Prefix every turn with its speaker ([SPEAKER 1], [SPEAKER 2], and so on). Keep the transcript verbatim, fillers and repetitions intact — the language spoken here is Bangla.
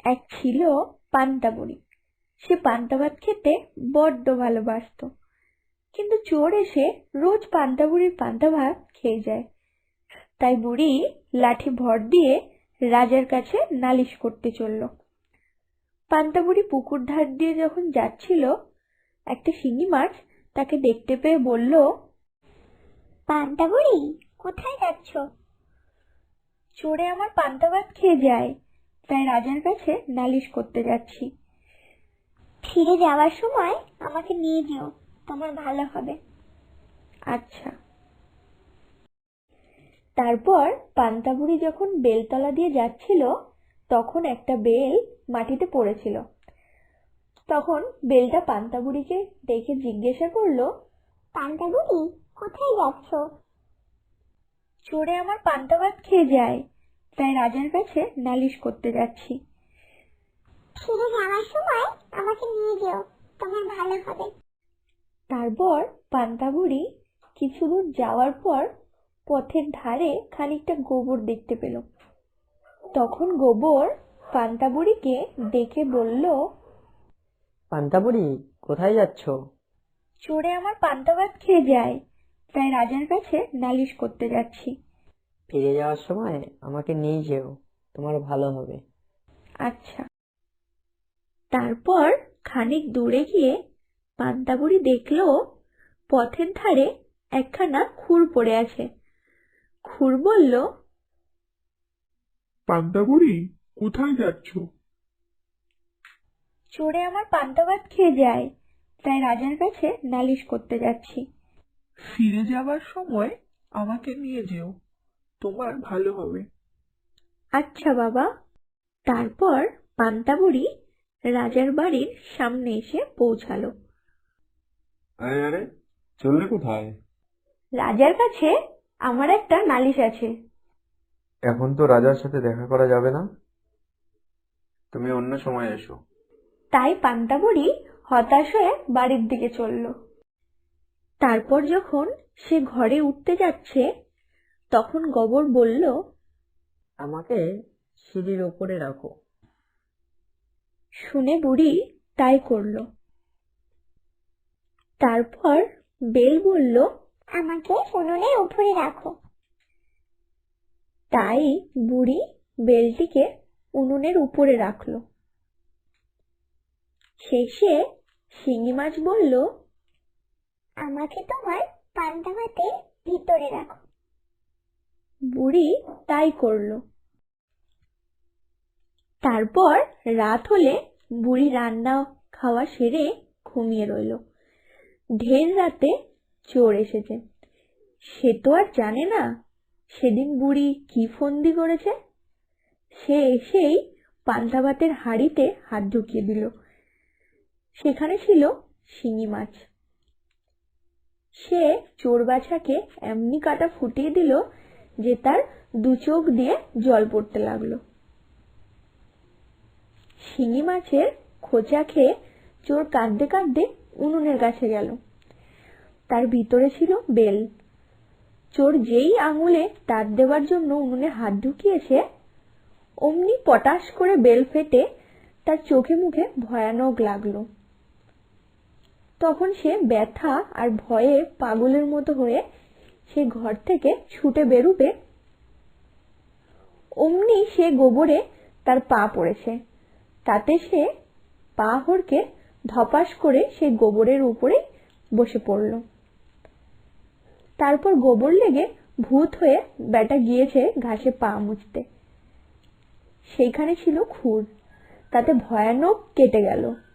[SPEAKER 1] এক ছিল পান্তা বুড়ি। সে পান্তা ভাত খেতে বড্ড ভালোবাসতো, কিন্তু চোর এসে রোজ পান্তা বুড়ির পান্তা ভাত খেয়ে যায়। তাই বুড়ি লাঠি ভর দিয়ে রাজার কাছে নালিশ করতে চলল। পান্তা বুড়ি পুকুর ধার দিয়ে যখন যাচ্ছিল, একটা শিঙি মাছ তাকে দেখতে পেয়ে বলল,
[SPEAKER 2] পান্তা বুড়ি, কোথায় যাচ্ছ?
[SPEAKER 1] চোরে আমার পান্তা ভাত খেয়ে যায়, তাই রাজার কাছে নালিশ করতে যাচ্ছি।
[SPEAKER 2] ফিরে যাওয়ার সময় আমাকে নিয়ে যেও, তোমার ভালো হবে।
[SPEAKER 1] আচ্ছা। তারপর পান্তা বুড়ি যখন বেলতলা দিয়ে যাচ্ছিল, তখন একটা বেল মাটিতে পড়েছিল। তখন বেলটা পান্তা বুড়িকে দেখে জিজ্ঞাসা করলো,
[SPEAKER 2] পান্তা বুড়ি, কোথায় যাচ্ছ?
[SPEAKER 1] চোরে আমার পান্তা ভাত খেয়ে যায়, তাই রাজার কাছে নালিশ করতে যাচ্ছি।
[SPEAKER 2] ফিরে যাওয়ার সময় আমাকে নিয়ে যেও, তোমার ভালো হবে।
[SPEAKER 1] তারপর পান্তা বুড়ি কিছু দূর যাওয়ার পর পথের ধারে খানিকটা গোবর দেখতে পেল। তখন গোবর পান্তা বুড়িকে দেখে বলল,
[SPEAKER 3] পান্তা বুড়ি, কোথায় যাচ্ছ?
[SPEAKER 1] চোরে আমার পান্তা ভাত খেয়ে যায়, তাই রাজার কাছে নালিশ করতে যাচ্ছি।
[SPEAKER 3] ফিরে যাওয়ার সময় আমাকে নিয়ে যেও, তোমার ভালো হবে।
[SPEAKER 1] আচ্ছা। তারপর খানিক দূরে গিয়ে পান্তা বুড়ি দেখলো পথের ধারে একখানা খুর পড়ে আছে। খুর বলল,
[SPEAKER 4] পান্তা বুড়ি, কোথায় যাচ্ছ?
[SPEAKER 1] চোরে আমার পান্তা ভাত খেয়ে যায়, তাই রাজার কাছে নালিশ করতে যাচ্ছি।
[SPEAKER 4] ফিরে যাবার সময় আমাকে নিয়ে যেও, তোমার ভালো হবে।
[SPEAKER 1] আচ্ছা বাবা। তারপর পান্তা বুড়ি রাজার বাড়ির সামনে এসে পৌঁছালো।
[SPEAKER 5] আরে আরে, চললে কোথায়?
[SPEAKER 1] রাজার কাছে আমার একটা নালিশ আছে।
[SPEAKER 5] এখন তো রাজার সাথে দেখা করা যাবে না, তুমি অন্য সময় এসো।
[SPEAKER 1] তাই পান্তা বুড়ি হতাশ হয়ে বাড়ির দিকে চলল। তারপর যখন সে ঘরে উঠতে যাচ্ছে, তখন গোবর বলল,
[SPEAKER 3] আমাকে সিঁড়ির ওপরে রাখো।
[SPEAKER 1] শুনে বুড়ি তাই করল। তারপর বেল বলল,
[SPEAKER 2] আমাকে উনুনের উপরে রাখো।
[SPEAKER 1] তাই বুড়ি বেলটিকে উনুনের উপরে রাখল। শেষে শিঙি মাছ বলল,
[SPEAKER 2] আমাকে তোমার পান্তা ভাতের ভিতরে রাখো।
[SPEAKER 1] বুড়ি তাই করল। তারপর রাত হলে বুড়ি রান্না খাওয়া সেরে ঘুমিয়ে রইল। ঢের রাতে চোর এসেছে। সে তো আর জানে না সেদিন বুড়ি কি ফন্দি করেছে। সে এসেই পান্তা ভাতের হাঁড়িতে হাত ঢুকিয়ে দিল। সেখানে ছিল শিঙি মাছ। সে চোর বাছাকে এমনি কাটা ফুটিয়ে দিল যে তার দু চোখ দিয়ে জল পড়তে লাগলো। শিঙি মাছের খোঁচা খেয়ে চোর কাঁদতে কাঁদতে উনুনের কাছে গেল। তার ভিতরে ছিল বেল। চোর যেই আঙুলে তার দেওয়ার জন্য উনুনে হাত ঢুকিয়েছে, অমনি পটাশ করে বেল ফেটে তার চোখে মুখে ভয়ানক লাগলো। তখন সে ব্যথা আর ভয়ে পাগলের মতো হয়ে সে ঘর থেকে ছুটে বেরুবে, অমনি সে গোবরে তার পা পড়েছে। তাতে সে পা হড়কে ধপাস করে সে গোবরের উপরে বসে পড়ল। তারপর গোবর লেগে ভূত হয়ে ব্যাটা গিয়েছে ঘাসে পা মুছতে। সেইখানে ছিল খুর, তাতে ভয়ানক কেটে গেল।